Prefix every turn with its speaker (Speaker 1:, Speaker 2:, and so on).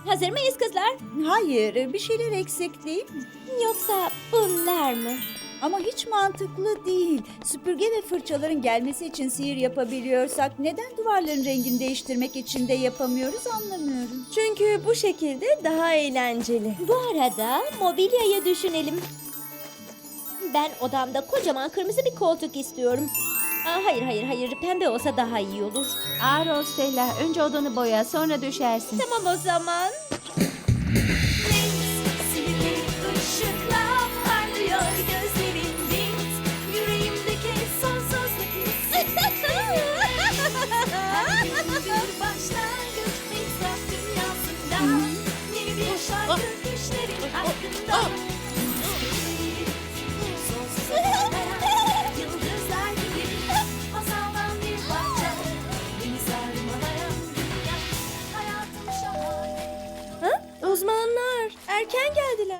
Speaker 1: Hazır mıyız kızlar?
Speaker 2: Hayır, bir şeyler eksik değil mi?
Speaker 1: Yoksa bunlar mı?
Speaker 2: Ama hiç mantıklı değil. Süpürge ve fırçaların gelmesi için sihir yapabiliyorsak neden duvarların rengini değiştirmek için de yapamıyoruz anlamıyorum.
Speaker 3: Çünkü bu şekilde daha eğlenceli.
Speaker 1: Bu arada mobilyayı düşünelim. Ben odamda kocaman kırmızı bir koltuk istiyorum. Hayır. Pembe olsa daha iyi olur.
Speaker 4: Ağır Stella. Önce odanı boya, sonra düşersin.
Speaker 1: Tamam o zaman.
Speaker 5: Sihirli ışıkla parlıyor gözlerin Wings. Yüreğimdeki sonsuzluk hissi. Her gün bir başlangıç Wings Rock dünyasında. Yeni bir şarkı düşlerin hakkında. Sonsuza kadar yıldızlar gibi. Masaldan bir parça. Beni sarmalayan dünya. Hayatım şahane.
Speaker 3: Uzmanlar erken geldiler.